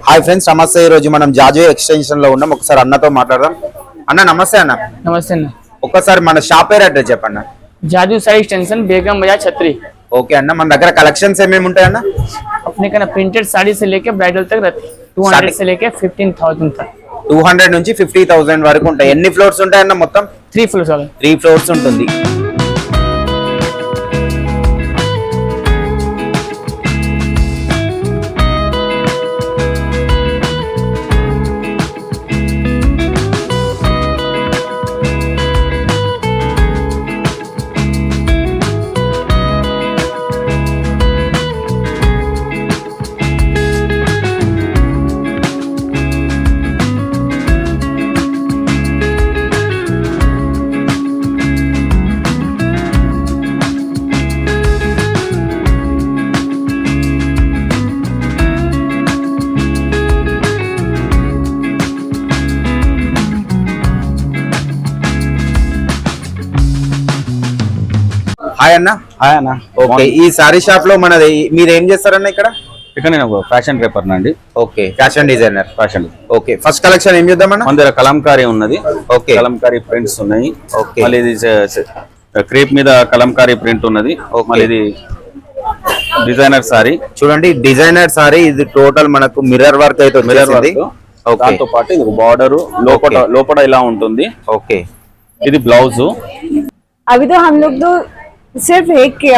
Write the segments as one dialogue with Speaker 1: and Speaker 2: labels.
Speaker 1: Hi friends, నమస్తే. ఈ రోజు మనం జాజు ఎక్స్టెన్షన్ లో ఉన్నాం. ఒకసారి అన్నతో మాట్లాడదాం. అన్న నమస్తే. అన్న
Speaker 2: నమస్తే అన్న.
Speaker 1: ఒక్కసారి మన షాప్ పేరు అడ్రస్ చెప్పండి.
Speaker 2: जाजू साइड एक्सटेंशन बेगम बाजार छतरी।
Speaker 1: ఓకే అన్న, మన దగ్గర కలెక్షన్స్ ఏమేమి ఉంటాయి అన్న?
Speaker 2: अपने का प्रिंटेड साड़ी से लेके ब्राइडल तक रहती 200 से लेके 15,000 तक।
Speaker 1: 200 నుంచి 50,000 వరకు ఉంటాయి. ఎన్ని ఫ్లోర్స్ ఉంటాయి అన్న? మొత్తం
Speaker 2: 3 फ्लोर्स वाला
Speaker 1: 3 ఫ్లోర్స్ ఉంటుంది. హాయ్ అన్న.
Speaker 3: హాయ్ అన్న.
Speaker 1: ఓకే, ఈ సారీ షాప్ లో మనది మీరు ఏం చేస్తారన్న ఇక్కడ?
Speaker 3: ఇక్కడ నేను ఫ్యాషన్ పేపర్ నండి.
Speaker 1: Okay, fashion designer.
Speaker 3: Fashion.
Speaker 1: Okay, first collection ఏం చూద్దామన్న?
Speaker 3: మన దగ్గర కలంకారీ ఉన్నది.
Speaker 1: ఓకే,
Speaker 3: కలంకారీ ప్రింట్స్ ఉన్నాయి.
Speaker 1: ఓకే,
Speaker 3: మళ్ళీ ఇది క్రేప్ మీద కలంకారీ ప్రింట్ ఉన్నది. మళ్ళీ ఇది డిజైనర్ సారీ.
Speaker 1: చూడండి, డిజైనర్ సారీ. ఇది టోటల్ మనకు మిర్రర్ వర్క్ అయితే వచ్చేసింది.
Speaker 3: దాంతో పాటు ఇది బార్డర్ లోపల ఇలా ఉంటుంది.
Speaker 1: ఓకే,
Speaker 3: ఇది బ్లౌజ్.
Speaker 4: अभी तो हम लोग तो सिर्फ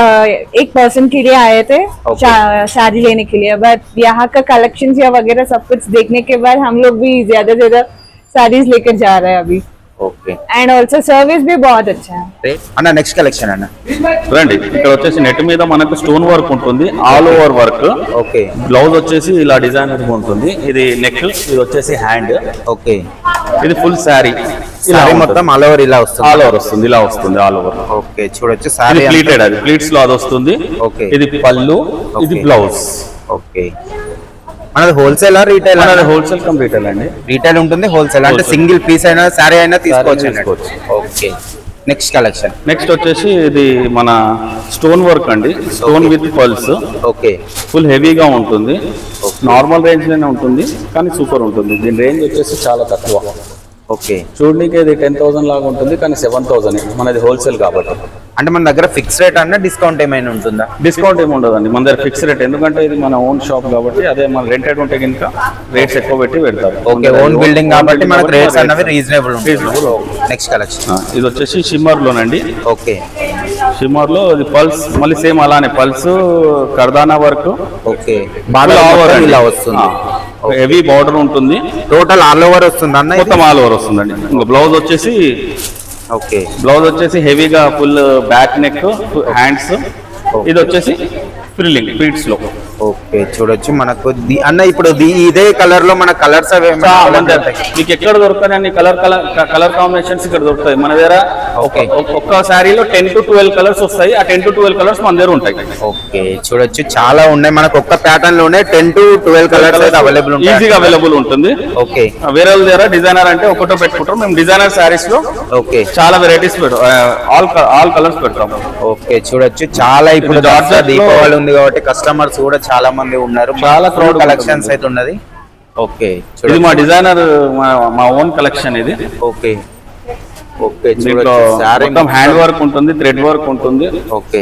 Speaker 4: एक पर्सन के लिए आए थे साड़ी लेने के लिए, बट यहाँ का कलेक्शन या वगैरह सब कुछ देखने के बाद हम लोग भी ज्यादा साड़ीज लेकर जा रहे हैं अभी.
Speaker 1: ఓకే,
Speaker 4: एंड ऑल्सो सर्विस भी बहुत अच्छा है.
Speaker 1: అన్న నెక్స్ట్ కలెక్షన్ అన్న.
Speaker 3: చూడండి, ఇక్కడ వచ్చేసి నెట్ మీద మనకు స్టోన్ వర్క్ ఉంటుంది, all over work.
Speaker 1: Okay,
Speaker 3: blouse వచ్చేసి ఇలా డిజైనర్ ఉంటుంది. ఇది నెక్, ఇది వచ్చేసి హ్యాండ్.
Speaker 1: ఓకే,
Speaker 3: ఇది ఫుల్ శారీ.
Speaker 1: సారీ మొత్తం ఆల్ ఓవర్ ఇలా వస్తుంది.
Speaker 3: ఆల్ ఓవర్ వస్తుంది, ఇలా వస్తుంది ఆల్ ఓవర్.
Speaker 1: ఓకే, చూడొచ్చు సారీ
Speaker 3: ప్లీటెడ్, అది ప్లీట్స్ లో అది వస్తుంది.
Speaker 1: ఓకే,
Speaker 3: ఇది పళ్ళు, ఇది బ్లౌజ్.
Speaker 1: ఓకే, మనది wholesale retail?
Speaker 3: Wholesale cum retail అండి.
Speaker 1: రీటైల్ ఉంటుంది, హోల్సేల్ అంటే సింగిల్ పీస్ అయినా సారీ అయినా తీసుకోవచ్చు. Okay, next collection.
Speaker 3: నెక్స్ట్ వచ్చేసి ఇది మన స్టోన్ వర్క్ అండి. Stone with pearls.
Speaker 1: Okay,
Speaker 3: full హెవీగా ఉంటుంది. నార్మల్ రేంజ్ లోనే ఉంటుంది, కానీ సూపర్ ఉంటుంది. దీని రేంజ్ వచ్చేసి చాలా తక్కువ.
Speaker 1: ఓకే,
Speaker 3: చూడడానికి ఇది 10,000 లాగా ఉంటుంది, కానీ 7,000. మనది హోల్సేల్ కాబట్టి.
Speaker 1: అంటే మన దగ్గర ఫిక్స్ రేట్ అన్న డిస్కౌంట్ ఏమైనా ఉంటుందా?
Speaker 3: డిస్కౌంట్ ఏమి ఉండదండి మన దగ్గర, ఫిక్స్ రేట్. ఎందుకంటే ఇది మన ఓన్ షాప్ కాబట్టి. అదే మన రెంటెడ్ ఉంటే కనుక రేట్స్ ఎక్కువ పెట్టి పెడతారు.
Speaker 1: ఓకే, ఓన్ బిల్డింగ్ కాబట్టి మనకు రేట్స్ అన్నవి రీజనబుల్. Next collection.
Speaker 3: ఇది వచ్చేసి షిమ్మర్ లోనండి.
Speaker 1: ఓకే,
Speaker 3: షిమ్మర్ లో ఇది పల్స్, మళ్ళీ సేమ్ అలానే పల్స్, కర్దానా వర్క్.
Speaker 1: ఓకే, బాగా ఇలా వస్తుంది.
Speaker 3: హెవీ బార్డర్ ఉంటుంది.
Speaker 1: టోటల్ ఆల్ ఓవర్ వస్తుంది అన్న?
Speaker 3: మొత్తం ఆల్ ఓవర్ వస్తుందండి. ఇంకా బ్లౌజ్ వచ్చేసి,
Speaker 1: ఓకే,
Speaker 3: బ్లౌజ్ వచ్చేసి హెవీగా ఫుల్ బ్యాక్ నెక్, హ్యాండ్స్. ఇది వచ్చేసి ఫ్రిల్లింగ్ ప్లీట్స్ లో.
Speaker 1: ఓకే, చూడొచ్చు మనకు అన్న ఇప్పుడు ఇదే కలర్ లో మన కలర్స్
Speaker 3: మీకు ఎక్కడ దొరుకుతాయి అన్ని కలర్ కాంబినేషన్స్ ఇక్కడ దొరుకుతాయి మన దగ్గర. ఒక్క శారీలో 10 to 12 కలర్స్ వస్తాయి. ఆ 10 to 12 కలర్స్ మన దగ్గర ఉంటాయి.
Speaker 1: ఓకే, చూడొచ్చు చాలా ఉన్నాయి మనకు. ఒక్క ప్యాటర్న్ లోనే 10 to 12 కలర్స్ అయితే అవైలబుల్ ఉంటాయి,
Speaker 3: ఈజీగా అవైలబుల్ ఉంటుంది.
Speaker 1: ఓకే,
Speaker 3: వేరే వాళ్ళ దగ్గర డిజైనర్ అంటే ఒకటో పెట్టుకుంటాం. మేము డిజైనర్ శారీస్ లో
Speaker 1: ఓకే
Speaker 3: చాలా వెరైటీస్ ఆల్ కలర్స్ పెడతాం.
Speaker 1: ఓకే, చూడొచ్చు చాలా. ఇప్పుడు దీపావళి ఉంది కాబట్టి కస్టమర్స్ కూడా చాలా మంది ఉన్నారు. చాలా క్రౌడ్ కలెక్షన్స్ అయితే ఉన్నది. ఓకే,
Speaker 3: ఇది మా డిజైనర్, మా ఓన్ కలెక్షన్ ఇది.
Speaker 1: ఓకే, ఓకే,
Speaker 3: మొత్తం హ్యాండ్ వర్క్ ఉంటుంది, థ్రెడ్ వర్క్ ఉంటుంది.
Speaker 1: ఓకే,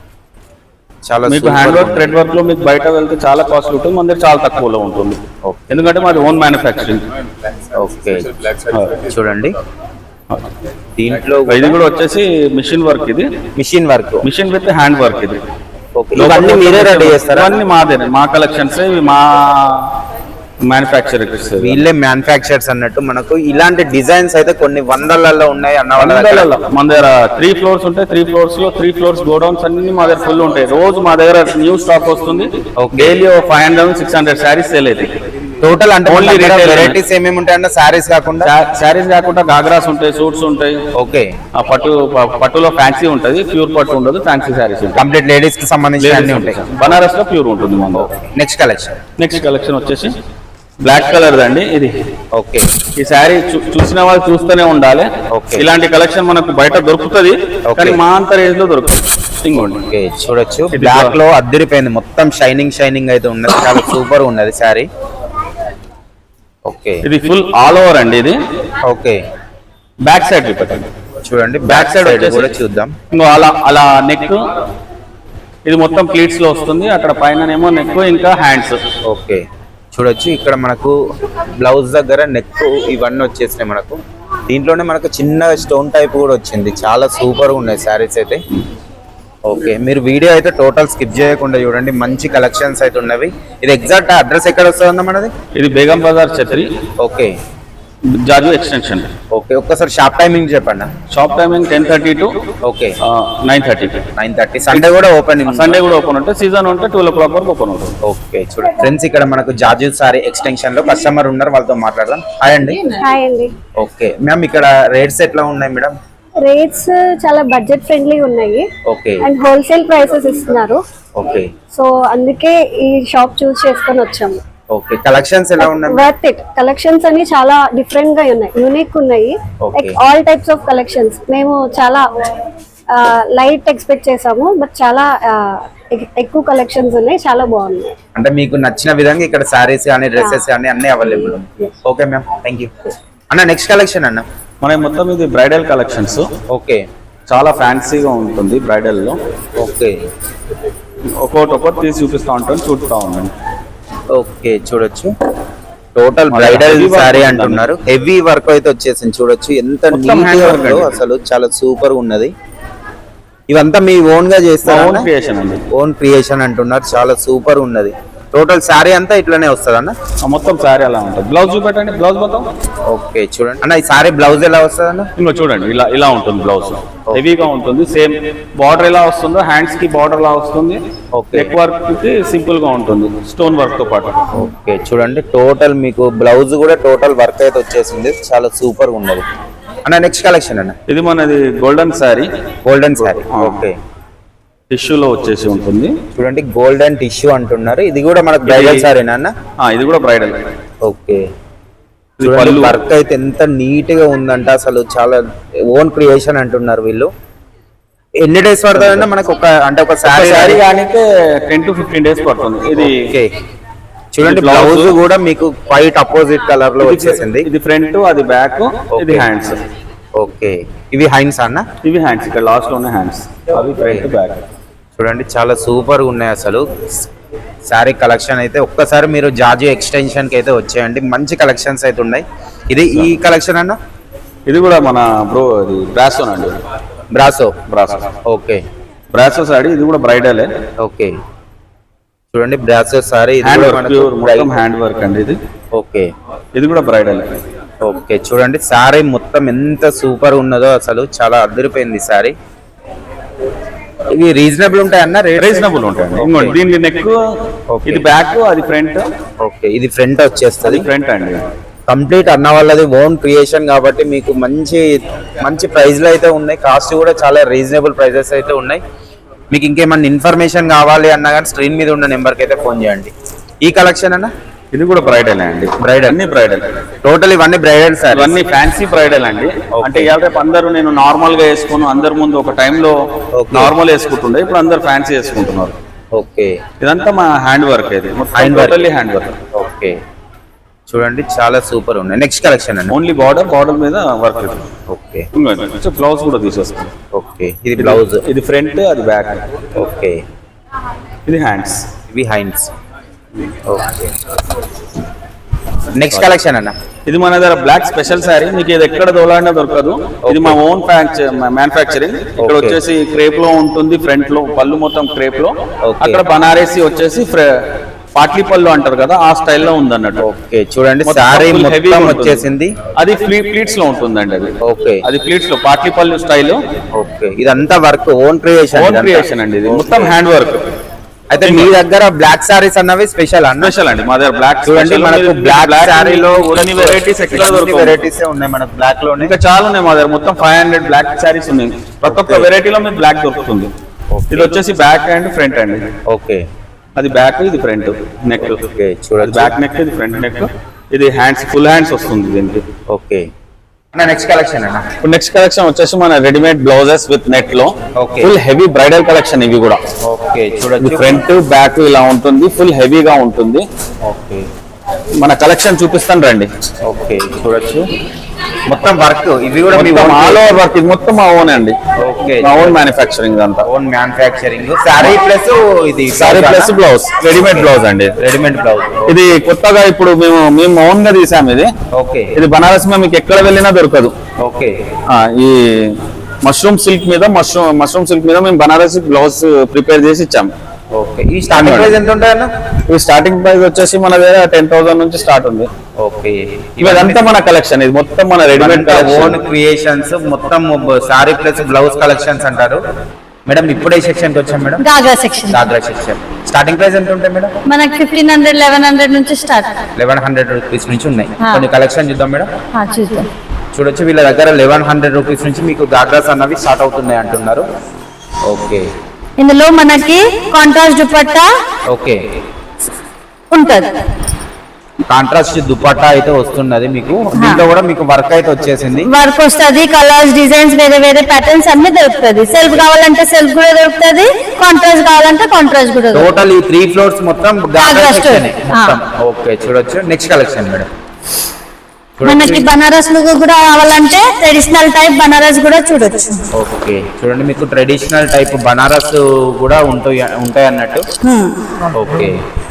Speaker 1: చాలా
Speaker 3: మీకు హ్యాండ్ వర్క్, థ్రెడ్ వర్క్ లో మీకు బయట వెళ్తే చాలా కాస్ట్ ఉంటుంది, మన దగ్గర చాలా తక్కువలో ఉంటుంది. ఎందుకంటే మాది ఓన్ మ్యానుఫ్యాక్చరింగ్.
Speaker 1: ఓకే, చూడండి దీంట్లో
Speaker 3: ఇది కూడా వచ్చేసి మిషన్ వర్క్. ఇది
Speaker 1: machine work,
Speaker 3: machine with hand work. ఇది
Speaker 1: ఇవన్నీ మీరే రెడీ చేస్తారా?
Speaker 3: అన్ని మాదే, మా కలెక్షన్స్, మా మ్యానుఫ్యాక్చర్.
Speaker 1: వీళ్ళే మ్యానుఫ్యాక్చర్స్ అన్నట్టు. మనకు ఇలాంటి డిజైన్స్ అయితే కొన్ని వందలలో ఉన్నాయి అన్న.
Speaker 3: మన దగ్గర 3 ఫ్లోర్స్ ఉంటాయి. 3 ఫ్లోర్స్ లో 3 ఫ్లోర్స్ గోడౌన్స్ అన్ని మా దగ్గర ఫుల్ ఉంటాయి. రోజు మా దగ్గర న్యూ స్టాక్ వస్తుంది. డైలీ 500-600 శారీస్ సేల్ అవుతాయి
Speaker 1: టోటల్. అంటే ఓన్లీ వెరైటీస్ ఏమేమి ఉంటాయన్న? శారీస్ కాకుండా
Speaker 3: గాగ్రాస్ ఉంటాయి, సూట్స్ ఉంటాయి.
Speaker 1: ఓకే,
Speaker 3: పట్టులో ఫ్యాన్సీ ఉంటుంది, ప్యూర్ పట్టు ఉండదు, ఫ్యాన్సీ శారీస్ ఉంటాయి.
Speaker 1: కంప్లీట్ లేడీస్ కి సంబంధించి అన్ని ఉంటాయి.
Speaker 3: బనారస్ లో ప్యూర్ ఉంటుంది.
Speaker 1: నెక్స్ట్ కలెక్షన్
Speaker 3: వచ్చేసి బ్లాక్ కలర్ అండి ఇది.
Speaker 1: ఓకే,
Speaker 3: ఈ శారీ చూసిన వాళ్ళు చూస్తూనే ఉండాలి. ఇలాంటి కలెక్షన్ మనకు బయట దొరుకుతుంది, కానీ మా అంత రేంజ్ లో దొరుకుతుంది.
Speaker 1: ఓకే, చూడొచ్చు బ్లాక్ లో అద్దరిపోయింది మొత్తం. షైనింగ్ అయితే ఉన్నది, చాలా సూపర్ ఉన్నది శారీ. ఓకే
Speaker 3: ఇది ఫుల్ ఆల్ ఓవర్ అండి. ఇది
Speaker 1: ఓకే
Speaker 3: బ్యాక్ సైడ్ చూపెట్టండి.
Speaker 1: చూడండి బ్యాక్ సైడ్ కూడా చూద్దాం.
Speaker 3: ఇంకో అలా నెక్, ఇది మొత్తం ప్లీట్స్ లో వస్తుంది. అక్కడ పైననేమో నెక్ ఇంకా హ్యాండ్స్.
Speaker 1: ఓకే చూడొచ్చు ఇక్కడ మనకు బ్లౌజ్ దగ్గర నెక్ ఇవన్నీ వచ్చేసినాయి మనకు. దీంట్లోనే మనకు చిన్న స్టోన్ టైప్ కూడా వచ్చింది. చాలా సూపర్ గా ఉన్నాయి శారీస్ అయితే. ఓకే మీరు వీడియో అయితే టోటల్ స్కిప్ చేయకుండా చూడండి, మంచి కలెక్షన్స్ అయితే ఉన్నవి. ఇది ఎగ్జాక్ట్ అడ్రస్ ఎక్కడ వస్తుందన్న మనది?
Speaker 3: ఇది Begum Bazar Chhatri,
Speaker 1: okay
Speaker 3: Jaju extension.
Speaker 1: Okay ఒక్కసారి షాప్ టైమింగ్ చెప్పండి.
Speaker 3: Shop timing 10:30 to
Speaker 1: okay
Speaker 3: 9:30.
Speaker 1: 9:30. Sunday కూడా ఓపెన్?
Speaker 3: సండే కూడా ఓపెన్ ఉంటుంది. సీజన్ ఉంటే 12 o'clock వరకు ఓపెన్ ఉంటుంది.
Speaker 1: ఓకే చూడండి ఫ్రెండ్స్, ఇక్కడ మనకు జాజు సారీ ఎక్స్టెన్షన్ లో కస్టమర్ ఉన్నారు, వాళ్ళతో మాట్లాడదాం. హాయ్ అండి.
Speaker 5: హాయ్ అండి.
Speaker 1: ఓకే మ్యామ్, ఇక్కడ రేట్స్ ఎట్లా ఉన్నాయి మేడం?
Speaker 5: రేట్స్ చాలా బడ్జెట్ ఫ్రెండ్లీ ఉన్నాయి
Speaker 1: ఓకే
Speaker 5: అండ్ హోల్సేల్ ప్రైసెస్ ఇస్తున్నారు.
Speaker 1: ఓకే
Speaker 5: సో అందుకే ఈ షాప్ చూస్ చేసుకొని వచ్చాము.
Speaker 1: ఓకే కలెక్షన్స్ ఎలా ఉన్నాయి?
Speaker 5: Worth it. కలెక్షన్స్ అన్ని చాలా డిఫరెంట్ గా ఉన్నాయి, యూనిక్ ఉన్నాయి.
Speaker 1: Okay.
Speaker 5: Like all types of collections. మేము చాలా లైట్ ఎక్స్పెక్ట్ చేసాము, బట్ చాలా ఎక్కువ కలెక్షన్స్ ఉన్నాయి, చాలా బాగున్నాయి.
Speaker 1: అంటే మీకు నచ్చిన విధంగా ఇక్కడ సారీస్ కానీ డ్రెస్సెస్ కానీ అన్ని available. Okay ma'am, thank you. అన్న నెక్స్ట్ కలెక్షన్ అన్న?
Speaker 3: మన మొత్తం ఇది బ్రైడల్ కలెక్షన్స్.
Speaker 1: ఓకే
Speaker 3: చాలా ఫ్యాన్సీగా ఉంటుంది బ్రైడల్ లో.
Speaker 1: ఓకే
Speaker 3: ఒక్కొక్కటి తీసి చూపిస్తా ఉంటాను, చూపుతా ఉండండి.
Speaker 1: ఓకే చూడొచ్చు టోటల్ బ్రైడల్ సారీ అంటున్నారు. హెవీ వర్క్ అయితే వచ్చేసింది. చూడొచ్చు ఎంత నీట్ గా ఉందో, అసలు చాలా సూపర్ ఉన్నది. ఇవంతా మీ ఓన్ గా చేస్తారా?
Speaker 3: ఓన్ క్రియేషన్ అండి.
Speaker 1: ఓన్ క్రియేషన్ అంటున్నారు, చాలా సూపర్ ఉన్నది. టోటల్ సారీ అంతా ఇట్లానే వస్తుంది అన్న?
Speaker 3: మొత్తం సారీ అలా ఉంటుంది. బ్లౌజ్ చూపెట్టండి, బ్లౌజ్ మొత్తం.
Speaker 1: ఓకే చూడండి అన్న, ఈ సారీ బ్లౌజ్ ఎలా వస్తుంది అన్న?
Speaker 3: ఇంకో చూడండి, ఇలా ఉంటుంది బ్లౌజ్. హెవీగా ఉంటుంది. సేమ్ బార్డర్ ఎలా వస్తుందో హ్యాండ్స్ కి బార్డర్ లా వస్తుంది.
Speaker 1: ఓకే
Speaker 3: నెక్ వర్క్ కి సింపుల్ గా ఉంటుంది, స్టోన్ వర్క్ తో పాటు.
Speaker 1: ఓకే చూడండి టోటల్ మీకు బ్లౌజ్ కూడా టోటల్ వర్క్ అయితే వచ్చేసింది, చాలా సూపర్ గా ఉన్నది. అన్న నెక్స్ట్ కలెక్షన్ అన్న?
Speaker 3: ఇది మనది golden sari.
Speaker 1: Golden sari. Okay
Speaker 3: టిష్యూలో వచ్చేసి ఉంటుంది.
Speaker 1: చూడండి గోల్డెన్ టిష్యూ అంటున్నారు. ఇది కూడా మనకు బ్రైడల్ సారీనా అన్న?
Speaker 3: ఇది కూడా బ్రైడల్.
Speaker 1: ఓకే వర్క్ అయితే ఎంత నీట్ గా ఉందంట, అసలు చాలా ఓన్ క్రియేషన్ అంటున్నారు వీళ్ళు. ఎన్ని డేస్ పడుతుందంటే మనకు ఒక
Speaker 3: శారీ కానీ 10 to 15 days పడుతుంది. ఇది
Speaker 1: ఓకే చూడండి బ్లౌజ్ కూడా మీకు వైట్ అపోజిట్ కలర్ లో వచ్చేసింది.
Speaker 3: ఇది ఫ్రంట్, అది బ్యాక్, ఇది హ్యాండ్స్.
Speaker 1: ఓకే ఇవి హ్యాండ్స్ అన్న?
Speaker 3: ఇవి హ్యాండ్స్, ఇక్కడ లాస్ట్ లోనే హ్యాండ్స్. అవి ఫ్రంట్ బ్యాక్.
Speaker 1: చూడండి చాలా సూపర్ ఉన్నాయి అసలు శారీ కలెక్షన్ అయితే. ఒక్కసారి మీరు జాజు ఎక్స్టెన్షన్ కి అయితే వచ్చేయండి, మంచి కలెక్షన్స్ అయితే ఉన్నాయి. ఇది ఈ కలెక్షన్ అన్న?
Speaker 3: ఇది కూడా మన ఇది బ్రాసో అండి.
Speaker 1: బ్రాసో. ఓకే
Speaker 3: బ్రాసో సారీ, ఇది కూడా బ్రైడలే.
Speaker 1: ఓకే చూడండి బ్రాసో సారీ,
Speaker 3: హ్యాండ్ వర్క్ అండి ఇది.
Speaker 1: ఓకే
Speaker 3: ఇది కూడా బ్రైడల్.
Speaker 1: ఓకే చూడండి సారీ మొత్తం ఎంత సూపర్ ఉన్నదో, అసలు చాలా అదిరిపోయింది సారీ. ఇవి రీజనబుల్ ఉంటాయి అన్న?
Speaker 3: రీజనబుల్ ఉంటాయండి. దీని నెక్, ఇది బ్యాక్, అది ఫ్రంట్.
Speaker 1: ఓకే ఇది ఫ్రంట్ వచ్చేస్తుంది.
Speaker 3: ఫ్రంట్ అండి
Speaker 1: కంప్లీట్ అన్న వాళ్ళది ఓన్ క్రియేషన్ కాబట్టి మీకు మంచి మంచి ప్రైస్లు అయితే ఉన్నాయి. కాస్ట్ కూడా చాలా రీజనబుల్ ప్రైజెస్ అయితే ఉన్నాయి. మీకు ఇంకేమన్నా ఇన్ఫర్మేషన్ కావాలి అన్నా కానీ స్క్రీన్ మీద ఉన్న నెంబర్కి అయితే ఫోన్ చేయండి. ఈ కలెక్షన్ అన్న?
Speaker 3: ఇది కూడా బ్రైడల్ అండి.
Speaker 1: బ్రైడల్,
Speaker 3: అన్ని బ్రైడల్.
Speaker 1: టోటల్ ఇవన్నీ బ్రైడల్ సార్?
Speaker 3: ఇవన్నీ ఫ్యాన్సీ బ్రైడల్ అండి. అంటే ఇవాళ రేపు అందరూ నేను నార్మల్ గా వేసుకుని అందరి ముందు ఒక టైంలో నార్మల్ వేసుకుంటుండే, ఇప్పుడు అందరు ఫ్యాన్సీ వేసుకుంటున్నారు.
Speaker 1: ఓకే
Speaker 3: ఇదంతా మా హ్యాండ్ వర్క్. ఇది హ్యాండ్ వర్క్.
Speaker 1: ఓకే చూడండి చాలా సూపర్ ఉన్నాయి. నెక్స్ట్ కలెక్షన్ అండి?
Speaker 3: ఓన్లీ బార్డర్ మీద వర్క్.
Speaker 1: ఓకే
Speaker 3: బ్లౌజ్ కూడా తీసేస్తాం.
Speaker 1: ఓకే ఇది బ్లౌజ్,
Speaker 3: ఇది ఫ్రంట్, అది బ్యాక్.
Speaker 1: ఓకే
Speaker 3: ఇది హ్యాండ్స్,
Speaker 1: ఇవి హ్యాండ్స్. ఓకే నెక్స్ట్ కలెక్షన్ అన్న?
Speaker 3: ఇది మన దగ్గర బ్లాక్ స్పెషల్ శారీ. మీకు ఇది ఎక్కడ దొలాడినా దొరకదు. ఇది మా ఓన్ మ్యానుఫ్యాక్చరింగ్. ఇక్కడ వచ్చేసి క్రేప్ లో ఉంటుంది, ఫ్రంట్ లో పళ్ళు మొత్తం క్రేప్ లో. అక్కడ బనారసి వచ్చేసి పాట్లీ పళ్ళు అంటారు కదా, ఆ స్టైల్లో ఉంది అన్నట్టు.
Speaker 1: ఓకే చూడండి సారీ మొత్తం వచ్చేసింది.
Speaker 3: అది ప్లీట్స్ లో ఉంటుందండి. అది
Speaker 1: ఓకే
Speaker 3: అది ప్లీట్స్ లో పాట్లీ పళ్ళు స్టైల్.
Speaker 1: ఓకే ఇదంతా వర్క్ ఓన్ క్రియేషన్
Speaker 3: అండి. ఇది మొత్తం హ్యాండ్ వర్క్.
Speaker 1: అయితే మీ దగ్గర బ్లాక్ సారీస్ అన్నవి స్పెషల్
Speaker 3: స్పెషల్ అండి. మా దగ్గర బ్లాక్
Speaker 1: చూడండి, మనకు బ్లాక్ సారీలో
Speaker 3: వెరైటీస్
Speaker 1: ఉన్నాయి. మనకు బ్లాక్ లో
Speaker 3: ఇంకా చాలా ఉన్నాయి మా దగ్గర. మొత్తం 500 బ్లాక్ సారీస్ ఉన్నాయి. ప్రతి ఒక్క వెరైటీలో మీకు బ్లాక్ దొరుకుతుంది. ఇది వచ్చేసి బ్యాక్ అండ్ ఫ్రంట్ అండి.
Speaker 1: ఓకే
Speaker 3: అది బ్యాక్, ఇది ఫ్రంట్ నెక్.
Speaker 1: ఓకే చూడండి
Speaker 3: బ్యాక్ నెక్, ఇది ఫ్రంట్ నెక్. ఇది హ్యాండ్స్, ఫుల్ హ్యాండ్స్ వస్తుంది దీనికి.
Speaker 1: ఓకే నెక్స్ట్ కలెక్షన్ అన్న?
Speaker 3: నెక్స్ట్ కలెక్షన్ వచ్చేసి మన రెడీమేడ్ బ్లౌజెస్ విత్ నెట్ లో ఫుల్ హెవీ బ్రైడల్ కలెక్షన్ ఇవి కూడా.
Speaker 1: ఓకే చూడండి
Speaker 3: ఫ్రంట్ బ్యాక్ ఇలా ఉంటుంది, ఫుల్ హెవీగా ఉంటుంది.
Speaker 1: ఓకే
Speaker 3: మన కలెక్షన్ చూపిస్తాను రండి.
Speaker 1: ఓకే చూడొచ్చు మొత్తం వర్క్ ఇవి కూడా మీ
Speaker 3: ఆల్ ఓవర్ వర్క్ ఇది మొత్తం మా ఓన్ అండి.
Speaker 1: ఓకే
Speaker 3: మా ఓన్ మ్యానుఫ్యాక్చరింగ్ అంతా.
Speaker 1: ఓన్ మ్యానుఫ్యాక్చరింగ్ సారీ ప్లస్ ఇది
Speaker 3: sari plus blouse readymade blouse అండి.
Speaker 1: రెడీమేడ్ బ్లౌజ్
Speaker 3: ఇది కొత్తగా ఇప్పుడు మేము ఓన్ గా తీసాము ఇది.
Speaker 1: ఓకే
Speaker 3: ఇది బనారస్ లో మీకు ఎక్కడ వెళ్ళినా దొరకదు.
Speaker 1: ఓకే
Speaker 3: ఈ మష్రూమ్ సిల్క్ మీద మేము బనారస్ బ్లౌజ్ ప్రిపేర్ చేసి ఇచ్చాము.
Speaker 1: ఓకే ఈ స్టార్టింగ్ ప్రైస్ ఎంత ఉంటాయి అన్న?
Speaker 3: ఈ స్టార్టింగ్ ప్రైస్ వచ్చేసి మన దగ్గర 10,000 నుంచి స్టార్ట్ ఉంది.
Speaker 1: ఓకే
Speaker 3: ఇదంతా మన కలెక్షన్, ఇది మొత్తం మన రెడీమేడ్
Speaker 1: ఓన్ క్రియేషన్స్ మొత్తం సారీ ప్లస్ బ్లౌజ్ కలెక్షన్స్ అంటారు మేడం. ఇప్పుడే సెక్షన్ కి వచ్చాం మేడం,
Speaker 6: గాగ్రా సెక్షన్
Speaker 1: దాద్రా సెక్షన్. స్టార్టింగ్ ప్రైస్ ఎంత ఉంటాయి మేడం?
Speaker 6: మనకి 1500 1100 నుంచి స్టార్ట్.
Speaker 1: 1100 రూపీస్ నుంచి ఉన్నాయి. కొన్ని కలెక్షన్ చూద్దాం మేడం.
Speaker 6: చూద్దాం.
Speaker 1: చూడొచ్చు వీళ్ళ దగ్గర 1100 రూపీస్ నుంచి మీకు గాగ్రాస్ అన్నవి స్టార్ట్ అవుతున్నాయి అంటున్నారు. ఓకే
Speaker 6: ఇందులో మనకి కాంట్రాస్ట్ దుపట్టా
Speaker 1: ఓకే
Speaker 6: ఉంటది.
Speaker 1: కాంట్రాస్ట్ దుపట్టా అయితే వస్తున్నది మీకు. దీంట్లో కూడా మీకు వర్క్ అయితే వచ్చేసింది.
Speaker 6: వర్క్ వస్తుంది, కలర్స్ డిజైన్స్ వేరే వేరే ప్యాటర్న్స్ అన్ని దొరుకుతుంది. సెల్ఫ్ కావాలంటే సెల్ఫ్ కూడా దొరుకుతుంది, కాంట్రాస్ట్ కావాలంటే కాంట్రాస్ట్ కూడా దొరుకుతుంది.
Speaker 1: టోటల్ ఈ 3 ఫ్లోర్స్ మొత్తం గాగ్రా
Speaker 6: గాగ్రా
Speaker 1: సెక్షన్
Speaker 6: స్టోర్.
Speaker 1: మొత్తం. ఓకే చూడొచ్చు నెక్స్ట్ కలెక్షన్ మేడం.
Speaker 6: మనకి బనారస్ లుక్ కూడా కావాలంటే ట్రెడిషనల్ టైప్ బనారస్ కూడా చూడొచ్చు.
Speaker 1: ఓకే చూడండి మీకు ట్రెడిషనల్ టైప్ బనారస్ కూడా ఉంటాయి అన్నట్టు. ఓకే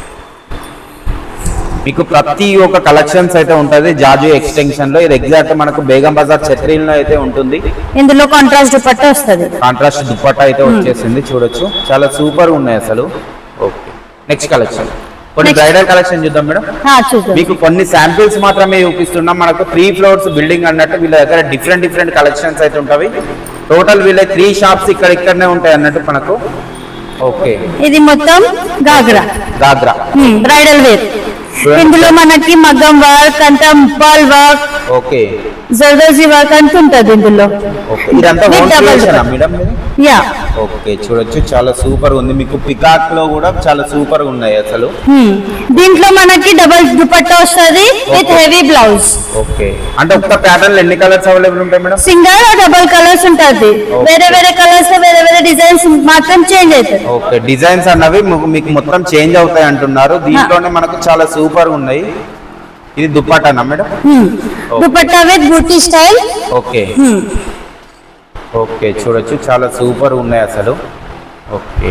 Speaker 1: మీకు ప్రతి ఒక్క కలెక్షన్స్ అయితే ఉంటది జాజు ఎక్స్టెన్షన్ లో. ఇది ఎగ్జాక్ట్ మనకు బేగం బజార్ చట్రీలో అయితే ఉంటుంది.
Speaker 6: ఇందులో కాంట్రాస్ట్ దుపట్టా వస్తుంది.
Speaker 1: కాంట్రాస్ట్ దుపట్టా అయితే వచ్చేసింది చూడొచ్చు. చాలా సూపర్ ఉన్నాయి అసలు. ఓకే నెక్స్ట్ కలెక్షన్ కొన్ని బ్రైడల్ కలెక్షన్ చూద్దాం మేడం.
Speaker 6: చూద్దాం.
Speaker 1: మీకు కొన్ని శాంపిల్స్ మాత్రమే చూపిస్తున్నాం. మనకు 3 ఫ్లోర్స్ బిల్డింగ్ అన్నట్టు వీళ్ళ దగ్గర డిఫరెంట్ కలెక్షన్స్ అయితే ఉంటాయి. టోటల్ వీళ్ళ 3 షాప్స్ ఇక్కడనే ఉంటాయి అన్నట్టు మనకు. ఓకే
Speaker 6: ఇది మొత్తం గాగ్రా బ్రైడల్ వేర్. ఇందులో మనకి మగ్గం వర్క్ అంతా pearl work
Speaker 1: okay
Speaker 6: zardozi work అంత ఉంటుంది ఇందులో.
Speaker 1: ఓకే ఇదంతా ఓన్ క్రియేషనా మేడం?
Speaker 6: యా
Speaker 1: ఓకే చూడొచ్చు చాలా సూపర్ ఉంది. మీకు పికాక్ లో కూడా చాలా సూపర్ ఉన్నాయి అసలు.
Speaker 6: దీంట్లో మనకి డబుల్ దుపట్టా వస్తుంది విత్ హెవీ బ్లౌజ్.
Speaker 1: ఓకే అంటే ఒక్క ప్యాటర్న్ ఎన్ని కలర్స్ అవైలబుల్ ఉంటాయి మేడం?
Speaker 6: సింగల్ డబుల్ కలర్స్ ఉంటుంది. వేరే వేరే కలర్స్ వేరే వేరే డిజైన్స్ మాత్రం చేంజ్ అవుతాయి.
Speaker 1: ఓకే డిజైన్స్ అన్నవి మీకు మొత్తం చేంజ్ అవుతాయి అంటున్నారు. దీంట్లోనే మనకు చాలా సూపర్ ఉన్నాయి. ఇది దుపట్టానా madam?
Speaker 6: Dupatta with buti style.
Speaker 1: Okay okay చూడొచ్చు చాలా సూపర్ ఉన్నాయి అసలు. ఓకే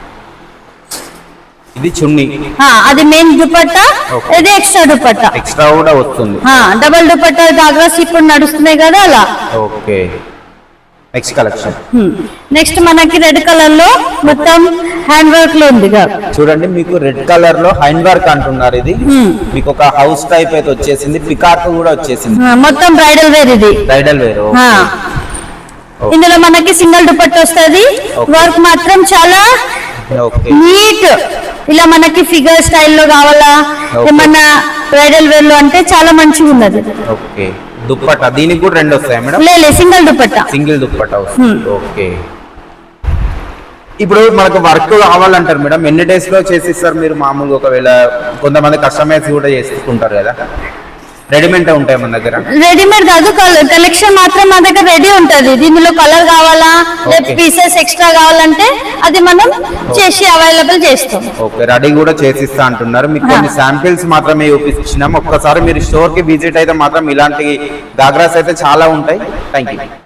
Speaker 1: ఇది చున్నీ.
Speaker 6: అది మెయిన్ దుపట్టా, ఇది ఎక్స్ట్రా దుపట్టా.
Speaker 1: ఎక్స్ట్రా కూడా వస్తుంది.
Speaker 6: డబుల్ దుపట్టా గాగ్రాస్ ఇప్పుడు నడుస్తున్నాయి కదా అలా.
Speaker 1: ఓకే నెక్స్ట్ కలెక్షన్
Speaker 6: నెక్స్ట్ మనకి రెడ్ కలర్ లో మొత్తం హ్యాండ్ వర్క్ లో ఉంది.
Speaker 1: చూడండి మీకు రెడ్ కలర్ లో హ్యాండ్ వర్క్ అంటున్నారు. ఇది మీకు ఒక హౌస్ టైప్ అయితే వచ్చేసింది. పికాక్ కూడా వచ్చేసింది.
Speaker 6: మొత్తం బ్రైడల్ వేర్ ఇది.
Speaker 1: Bridal wear.
Speaker 6: ఇందులో మనకి సింగిల్ దుపట్టా వస్తుంది. వర్క్ మాత్రం చాలా నీట్. ఇలా మనకి ఫిగర్ స్టైల్లో కావాలా ఏమన్నా బ్రైడల్ వేర్ లో అంటే చాలా మంచిగా ఉన్నది.
Speaker 1: ఓకే దుప్పట్టా దీనికి కూడా 2 వస్తాయి మేడం?
Speaker 6: లేదు సింగిల్ దుపట్టా.
Speaker 1: సింగిల్ దుప్పట్టా వస్తుంది. ఓకే ఇప్పుడు మనకు వర్క్ కావాలంటారు మేడం, ఎన్ని డేస్ లో చేసిస్తారు మీరు మామూలుగా? ఒకవేళ కొంతమంది కస్టమైజ్ కూడా చేసుకుంటారు కదా, రెడీమేడ్ ఉంటాయి మన దగ్గర?
Speaker 6: రెడీమేడ్ కాదు, కలెక్షన్ మాత్రం మా దగ్గర రెడీ ఉంటది. దీనిలో కలర్ కావాలా లేదా పీసెస్ ఎక్స్ట్రా కావాలంటే అది మనం చేసి అవైలబుల్ చేస్తాం.
Speaker 1: ఓకే రెడీ కూడా చేసిస్తా అంటున్నారు. మీకు కొన్ని శాంపిల్స్ మాత్రమే చూపించినాం. ఒక్కసారి మీరు స్టోర్ కి విజిట్ అయితే మాత్రం ఇలాంటి గాగ్రాస్ అయితే చాలా ఉంటాయి. Thank you.